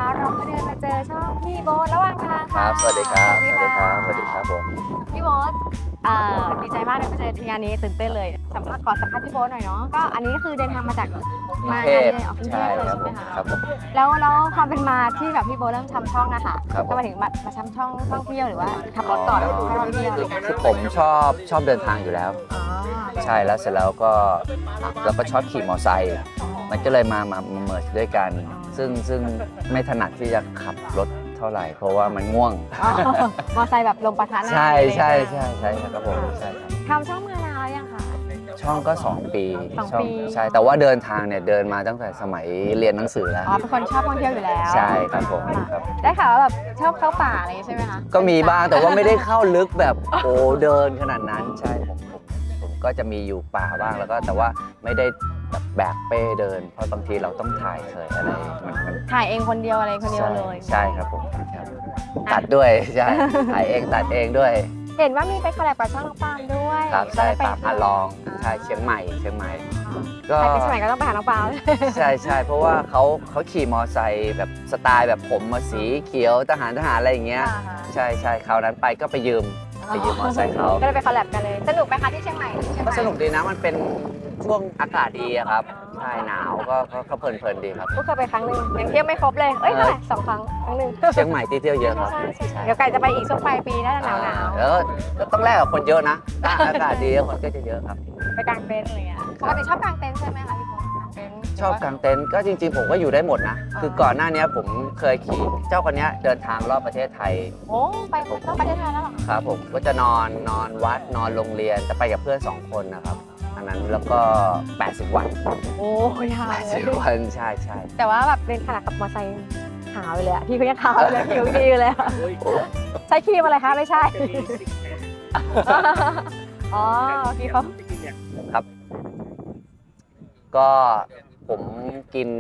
เราก็เดินมาเจอช่องพี่โบ๊ทระหว่างทางครัค่ะบสวัสดีครับสสวัวัสสดีดีคครัรับ บ สวัสดีครับผมพี่โบ๊ทดีใจมากเลยมาเจอที่งานนี้ตื่นเต้นเลยขอสัมภาษณ์พี่โบ๊ทหน่อยเนาะก็อันนี้ก็คือเดินทางมาจากมางานเนี่ยออกกรุงเทใช่พเลยครัใช่บไหผม มคะครับผมแล้วความเป็นมาที่แบบพี่โบ๊ทเริ่มทำช่องนะคะครับผมก็มาถึงมาทำช่องท่องเที่ยวหรือว่าขับรถก่อนแล้วค่อยท่องเที่ยวอะไรอย่างเงี้ยคือผมชอบเดินทางอยู่แล้วอ๋อใช่แล้วเสร็จแล้วก็เราก็ชอบขี่มอเตอร์ไซค์มันก็เลยมาเมิร์ด้วยกัน ซึ่งไม่ถนัดที่จะขับรถเท่าไหร่ เพราะว่ามันง่วงอ๋อมอไซค์แบบลมปะทะหน้าใช่เลยใช่ไหมใช่ครับผมใช่ครับทำช่องมานานแล้วยังคะช่องก็ 2 ปีสองช่ปีใช่แต่ว่าเดินทางเนี่ยเดินมาตั้งแต่สมัยเรียนหนังสือแล้วอ๋อเป็นคนชอบท่องเที่ยวอยู่แล้วใช่ครับผมครับได้ข่าวว่าแบบชอบเข้าป่าอะไรอย่างงี้ใช่ไหมคะก็มีบ้างแต่ว่าไม่ได้เข้าลึกแบบโอ้เดินขนาดนั้นใช่ผมก็จะมีอยู่ป่าบ้างแล้วก็แต่ว่าไม่ได้แบบแบกเป้เดิน เพราะบางทีเราต้องถ่ายเคยอะไรมันถ่ายเองคนเดียวอะไรคนเดียวเลยใช่ครับผมครับตัดด้วยใช่ถ่ายเองตัดเองด้วยเห็นว่ามีไปคอลแลบกับช่องน้องปาล์มด้วยครับใช่ไปปามอาลองใช่เชียงใหม่ก็ใครไปเชียงใหม่ก็ต้องไปหาน้องปาล์มใช่เพราะว่าเขาขี่มอไซค์แบบสไตล์แบบผมมาสีเขียวทหารอะไรอย่างเงี้ยใช่คราวนั้นไปก็ไปยืมมอไซค์เขาก็เลยไปคอลแลบกันเลยสนุกไหมคะที่เชียงใหม่ที่เชียงใหก็ม่สนุกดีนะมันเป็นช่วงอากาศดีอะครับใช่หนาวก็เพลินดีครับก็เคยไปครั้งหนึ่งยังเที่ยวไม่ครบเลยเอ้ยเท่าไหร่2 ครั้งหนึ่งเชียงใหม่ที่เที่ยวเยอะครับใช่เดี๋ยวไก่จะไปอีกช่วงปลายปีน่าจะหนาวแล้วก็ต้องแลกกับคนเยอะนะถ้าอากาศดีคนก็จะเยอะครับไปกางเต็นท์อะไรเงี้ยปกติชอบกางเต็นท์ใช่ไหมคะพี่โบ๊ทกางเต็นท์ชอบกางเต็นท์ก็จริงๆผมก็อยู่ได้หมดนะ คือก่อนหน้านี้ผมเคยขี่เจ้าคนนี้เดินทางรอบประเทศไทยโอ้ไปต้องประเทศไทยแล้วเหรอครับผมก็จะนอนวัดนอนโรงเรียนแต่ไปกับเพื่อน2 คนนะครับอันนั้นแล้วก็80 วันโอ้ยาวเลย 80 วันใช่แต่ว่าแบบเป็นขนาดขับมอเตอร์ไซค์ขาวเลยอะพี่เขายังขาวเลยผิวดีอยู่เลยอะใช้ครีมอะไรคะไม่ใช่ อ๋อพี่เขาครับ ก็ผมกิน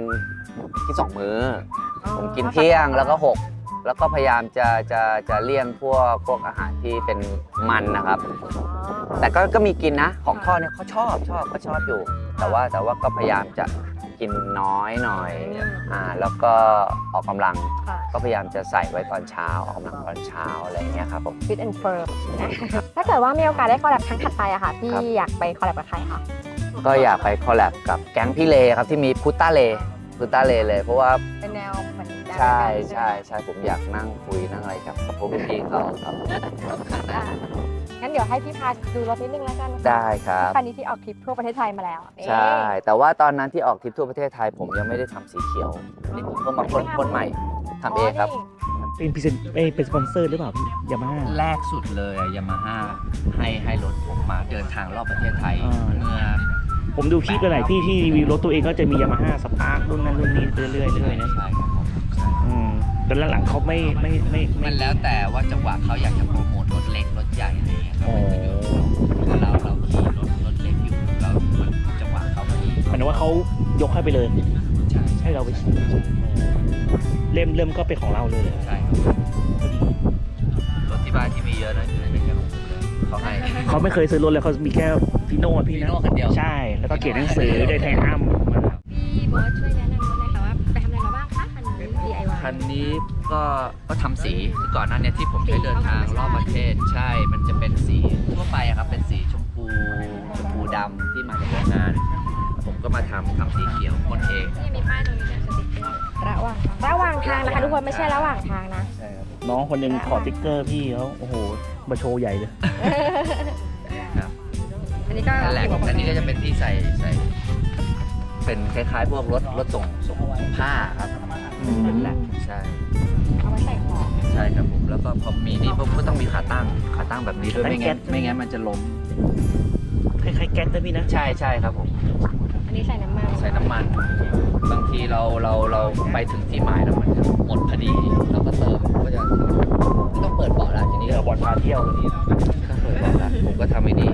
2 มื้อ ผมกินเที่ยงแล้วก็6แล้วก็พยายามจะเลี่ยงพวกอาหารที่เป็นมันนะครับ แต่ก็มีกินนะของทอดเนี่ยเขาชอบอยู่ แต่ว่าก็พยายามจะกินน้อยหน่อยแล้วก็ออกกำลังค่ะก็พยายามจะใส่ไว้ตอนเช้าออกกำลังตอนเช้าอะไรอย่างเงี้ยครับผมฟิตแอนด์เฟิร์มถ้าเกิดว่ามีโอกาสได้คอลแลบครั้งถัดไปอะค่ะพี่ครับอยากไปคอลแลบกับใครคะก็อยากไปคอลแลบกับแก๊งพี่เลครับที่มีพุตตาเลเลยเพราะว่าเป็นแนวเหมือนใช่ผมอยากนั่งคุยนั่งอะไรกับพวกพี่ๆเขาครับงั้นเดี๋ยวให้พี่พาดูรถนิดนึงแล้วกันนะคะได้ครับคันนี้ที่ออกทริปทั่วประเทศไทยมาแล้วนี่ใช่ แต่ว่าตอนนั้นที่ออกทริปทั่วประเทศไทยผมยังไม่ได้ทำสีเขียวนี่ผมเพิ่งมาพ่นใหม่ทำเองครับนี่เป็นพรีเซนเป็นสปอนเซอร์หรือเปล่าพี่ยามาฮ่าแรกสุดเลยยามาฮ่าให้รถผมมาเดินทางรอบประเทศไทยอ่าเมื่อผมดูคลิปหลายๆที่ที่รีวิวรถตัวเองก็จะมียามาฮ่าสปาร์ครุ่นนั้นรุ่นนี้ไปเรื่อยๆนะใช่ครับผมใช่แต่หลังๆเขาไม่มันแล้วแต่ว่าจังหวะเขาอยากจะโปรโมทรถเล็กรถใหญ่อะไรเงี้ยครับคือเราขี่รถเล็กอยู่แล้วจังหวะเขาพอดีหมายถึงว่าเขายกให้ไปเลยใช่ให้เราไปขี่เริ่มก็เป็นของเราเลยเหรอใช่ครับรถที่บ้านที่มีเยอะนะคือไม่ใช่ของผมเลยเขาให้เขาไม่เคยซื้อรถเลยเขามีแค่พี่โน่พี่พี่นะโน่คันเดียวใช่ แล้วก็เขียนหนังสือได้ไทยอ้ำพี่โบ๊ทช่วยแนะนำรถหน่อยค่ะว่าไปทำอะไรมาบ้างคะคันนี้ DIY คันนี้ก็ทำสีคือก่อนหน้านี้ที่ผมใช้เดินทางรอบประเทศใช่ มันจะเป็นสีทั่วไปอะครับเป็นสีชมพูดำที่มาจากโรงงาน ผมก็มาทำสีเขียวพ่นเองนี่มีป้ายตรงนี้เนี่ยสติ๊กเกอร์ระหว่างทางนะคะทุกคนไม่ใช่ระหว่างทางนะใช่ครับน้องคนหนึ่งขอติ๊กเกอร์พี่เขาโอ้โหมาโชว์ใหญ่เลยครับอันนี้ก็นั่นแหละอันนี้ก็จะเป็นที่ใส่เป็นคล้ายๆพวกรถส่งผ้าครับเป็นแหละใช่เอาไว้ใส่ของใช่ครับผมแล้วก็พอมีนี่ก็ต้องมีขาตั้งแบบนี้ด้วยไม่งั้นมันจะล้มคล้ายๆแก๊สนะพี่นะใช่ครับผมอันนี้ใส่น้ำมันใส่น้ำมัน บางทีเราไปถึงที่หมายแล้วมันหมดพอดีเราก็เติมก็จะไม่ต้องเปิดเบาะแล้วทีนี้เดี๋ยวบอลพาเที่ยวเลยไม่ต้องเปิดเบาะแล้วผมก็ทำไอ้นี่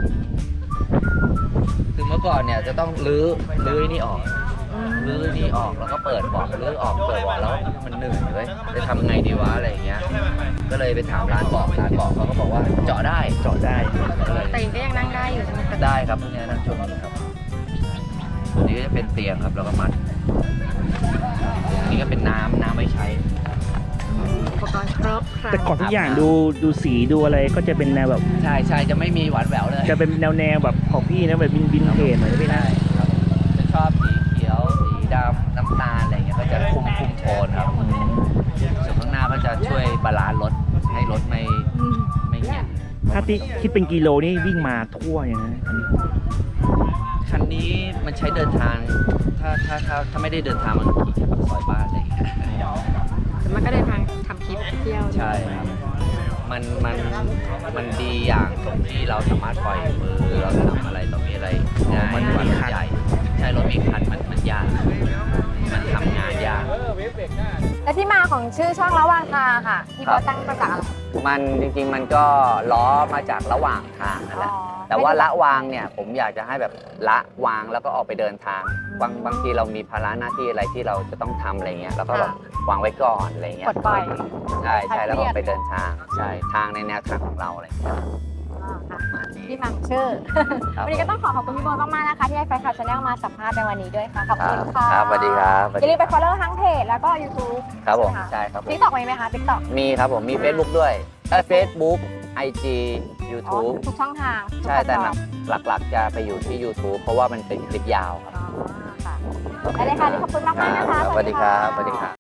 คือเมื่อก่อนเนี่ยจะต้องรื้อนี่ออกแล้วก็เปิดเบาะรื้อออกเปิดเบาะแล้วมันเหนื่อยเลยจะทำไงดีวะอะไรอย่างเงี้ยก็เลยไปถามร้านเบาะเขาก็บอกว่าเจาะได้ ก็เลยแต่ก็ยังนั่งได้อยู่ใช่ไหมคะได้ครับพวกนี้นั่งช่วงนี้ครับตัวนี้ก็จะเป็นเตียงครับแล้วก็มัดนี่ก็เป็นน้ำไว้ใช้อุปกรณ์ครบครันแต่ก่อนทุกอย่างดูสีดูอะไรก็จะเป็นแนวแบบใช่จะไม่มีหวานแหววเลยจะเป็นแนวแบบของพี่นะแบบวินเทจหน่อยนะพี่นะครับจะชอบสีเขียวสีดำน้ำตาลอะไรเงี้ยก็จะคุมโทนครับส่วนข้างหน้าก็จะช่วยบาลานซ์รถให้รถไม่เงียบถ้าที่คิดเป็นกิโลนี่วิ่งมาทั่วอย่างนั้นคันนี้มันใช้เดินทางถ้าไม่ได้เดินทางมันขี่แค่ปากซอยบ้านอะไรอย่างเงี้ยแต่มันก็เดินทางทำคลิปเที่ยวใช่ครับมันดีอย่างตรงที่เราสามารถปล่อยมือเราทำอะไรต่อมีอะไรง่ายกว่ารถใหญ่ใช่รถมีคันมันยากมันทำงานยากและที่มาของชื่อช่องระหว่างทางค่ะที่ครัเขาบตั้งมาจากอะไรมันจริงๆมันก็ล้อมาจากระหว่างทางนั่นแหละแต่ว่าละวางเนี่ยผมอยากจะให้แบบละวางแล้วก็ออกไปเดินทางบางทีเรามีภาระหน้าที่อะไรที่เราจะต้องทำอะไรเงี้ยแล้วก็แบบวางไว้ก่อนอะไรเงี้ยปลดปล่อยใช่แล้วก็ออกไปเดินทางใช่ทางในแนวทางของเราอะไรเงี้ยค่ะประมาณนี้ที่มาของชื่อครับวันนี้ก็ต้องขอบคุณพี่โบมากๆนะคะที่ให้แฟนคลับชาแนลมาสัมภาษณ์ในวันนี้ด้วยค่ะขอบคุณค่ะครับสวัสดีครับอย่าลืมไป follow ทั้งเพจแล้วก็ YouTube ครับผมใช่ใช่ครับผมติ๊กต็อกมีไหมคะติ๊กต็อกมีครับผมมี Facebook ด้วยFacebook IG อ๋อ YouTube ทุกช่องทางทุกใช่แต่แพลตฟอร์มหลักๆจะไปอยู่ที่ YouTube เพราะว่ามันเป็นคลิปยาวครับอ๋อค่ะได้เลยค่ะขอบคุณมากๆนะคะสวัสดีครับสวัสดีครับ